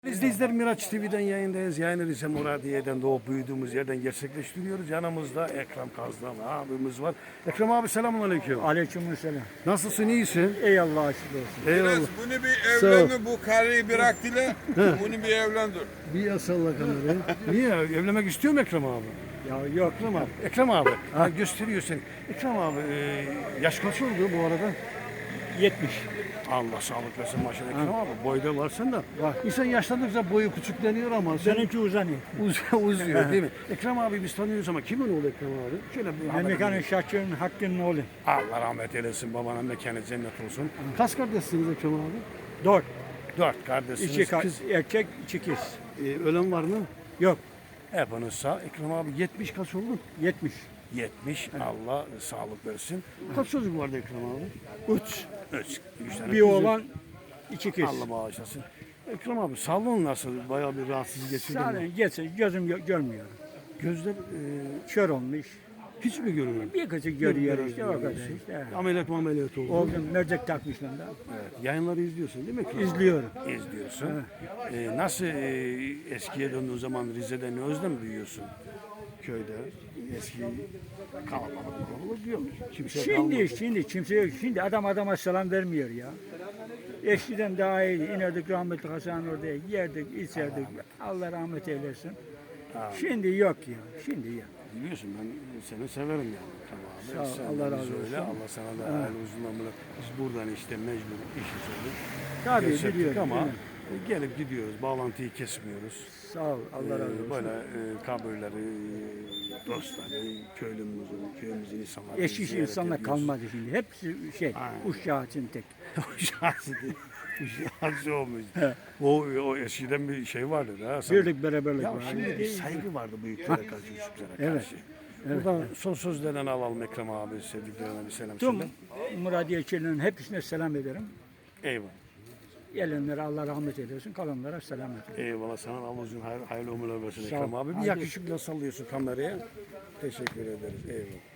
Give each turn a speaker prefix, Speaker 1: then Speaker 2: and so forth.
Speaker 1: İzleyiciler, Miraç TV'den yayındayız. Yayını Rize Muradiye'den doğup büyüdüğümüz yerden gerçekleştiriyoruz. Yanımızda Ekrem Kazdan abimiz var. Ekrem abi, selamünaleyküm.
Speaker 2: Aleykümselam.
Speaker 1: Nasılsın, iyisin?
Speaker 2: Ey Allah'a şükür olsun.
Speaker 1: Eyvallah.
Speaker 3: Biraz bunu bir evlendir, bu karıyı bırak dile, bunu bir evlendir.
Speaker 1: Bir yasalla kamerayı. Niye? Evlenmek istiyor mu Ekrem abi?
Speaker 2: Ya yok.
Speaker 1: Ekrem abi. Ekrem abi. Ha, gösteriyor seni. Ekrem abi, yaş kaç oldu bu arada?
Speaker 2: 70.
Speaker 1: Allah sağlık versin maşallah Ekrem abi. Boyda varsın da.
Speaker 2: Var.
Speaker 1: İnsan yaşlandıkça boyu küçükleniyor ama sen
Speaker 2: Seninki uzanıyor.
Speaker 1: uzuyor değil mi? Ekrem abi biz tanıyoruz ama kimin oğlu Ekrem abi? Şöyle bir haber
Speaker 2: Mekanın
Speaker 1: verin.
Speaker 2: Şahçı'nın Hakkı'nın oğlu.
Speaker 1: Allah rahmet eylesin, babanın mekanı cennet olsun. Kaç kardeşsiniz Ekrem abi?
Speaker 2: 4.
Speaker 1: 4 kardeşsiniz.
Speaker 2: 2
Speaker 1: Kız,
Speaker 2: erkek, 2 kız.
Speaker 1: ölen var mı?
Speaker 2: Yok.
Speaker 1: Hepiniz sağ. Ekrem abi 70 kaç oldu?
Speaker 2: 70.
Speaker 1: 70. Allah sağlık versin. Kaç çocuk vardı Ekrem abi?
Speaker 2: 3.
Speaker 1: 3 tane.
Speaker 2: Bir
Speaker 1: kızı.
Speaker 2: oğlan, 2 kız.
Speaker 1: Allah bağışlasın. Ekrem abi, sağlığın nasıl? Bayağı bir rahatsız geçirdin.
Speaker 2: Zaten geçse gözüm görmüyor.
Speaker 1: Gözler
Speaker 2: Kör olmuş.
Speaker 1: hiç mi görmüyor?
Speaker 2: Bir kızı görüyor
Speaker 1: Biraz
Speaker 2: işte o kadar
Speaker 1: görüyorsun.
Speaker 2: işte.
Speaker 1: Ameliyat oldu.
Speaker 2: Oğlum mercek takmışlar da.
Speaker 1: Evet. Yayınları izliyorsun değil mi Ekrem abi?
Speaker 2: İzliyorum.
Speaker 1: İzliyorsun. Nasıl eskiye döndüğün zaman Rize'de ne özlem duyuyorsun? Köyde eski kalabalık yok. Kimse kalmadı.
Speaker 2: Şimdi kimse yok. Şimdi adam adama selam vermiyor ya. Eskiden daha iyiydi. İnerdik rahmetli Hasan oraya yerdik, içerdik. Allah rahmet eylesin. Şimdi yok ya. Şimdi yok.
Speaker 1: Biliyorsun ben seni severim yani. Tamam abi.
Speaker 2: Sağ ol,
Speaker 1: Sen
Speaker 2: Allah
Speaker 1: de
Speaker 2: razı
Speaker 1: söyle.
Speaker 2: olsun.
Speaker 1: Allah sana da hayırlı uzun ömürler. Biz buradan işte mecbur işi söyledik.
Speaker 2: Tabii
Speaker 1: Gerçektik
Speaker 2: biliyorum.
Speaker 1: ama
Speaker 2: Evet.
Speaker 1: gelip gidiyoruz. Bağlantıyı kesmiyoruz.
Speaker 2: Sağ ol. Allah razı olsun.
Speaker 1: Böyle kabirleri, dostları, köyümüzün insanları
Speaker 2: Eşit
Speaker 1: ziyaret
Speaker 2: insanlar
Speaker 1: ediyoruz.
Speaker 2: kalmadı şimdi. Hepsi şey,
Speaker 1: Aynen.
Speaker 2: uşağı için tek.
Speaker 1: Şahsı değil. Şahsı olmuş. O eskiden bir şey vardı da.
Speaker 2: Birlik beraberlik
Speaker 1: Ya
Speaker 2: var.
Speaker 1: şimdi bir saygı vardı büyüklere karşı, küçüklere
Speaker 2: Evet.
Speaker 1: karşı. Buradan son sözlerini alalım Ekrem abi, sevdiklerine bir selam
Speaker 2: Tüm
Speaker 1: söyle.
Speaker 2: Muradiyecilerin hepsine selam ederim.
Speaker 1: Eyvallah.
Speaker 2: Gelenlere Allah rahmet eylesin, kalanlara selam ederim.
Speaker 1: Eyvallah sana, Allah uzun hayırlı ömürler versin
Speaker 2: Sağ ol.
Speaker 1: Ekrem abi. Bir
Speaker 2: Hadi.
Speaker 1: yakışıkla sallıyorsun kameraya. Teşekkür ederiz. Eyvallah.